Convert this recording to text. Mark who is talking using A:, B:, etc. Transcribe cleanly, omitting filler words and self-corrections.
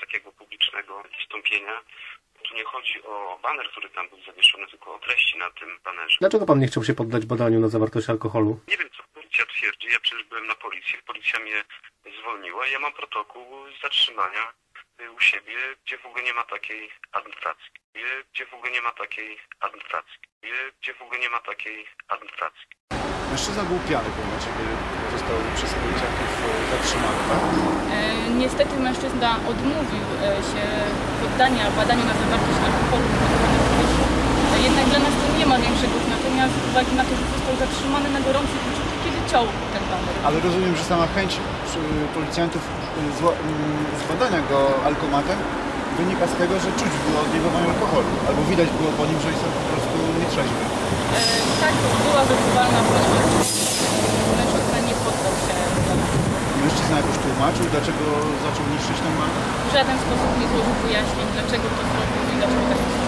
A: takiego publicznego wystąpienia. Tu nie chodzi o baner, który tam był zawieszony, tylko o treści na tym banerze.
B: Dlaczego pan nie chciał się poddać badaniu na zawartość alkoholu?
A: Nie wiem, co policja twierdzi. Ja przecież byłem na policji. Policja mnie zwolniła. Ja mam protokół zatrzymania u siebie, gdzie w ogóle nie ma takiej adnotacji. Gdzie w ogóle nie ma takiej adnotacji. Gdzie w ogóle nie ma takiej adnotacji.
C: Mężczyzna był pijany, ponieważ został przez policjantów zatrzymany, tak?
D: Niestety mężczyzna odmówił się poddania badaniu na zawartość alkoholu w powietrzu. Jednak dla nas to nie ma większego znaczenia z uwagi na to, że został zatrzymany na gorącym uczuciu, kiedy ciął ten baner.
C: Ale rozumiem, że sama chęć policjantów zbadania go alkomatem wynika z tego, że czuć było odjebanie alkoholu, albo widać było po nim, że jest po prostu nietrzeźwy.
D: Tak, była wyczuwalna prośba. Mężczyzna nie poddał się.
C: Mężczyzna jakoś tłumaczył, dlaczego zaczął niszczyć ten baner?
D: W żaden sposób nie złożył wyjaśnień, dlaczego to zrobił i dlaczego tak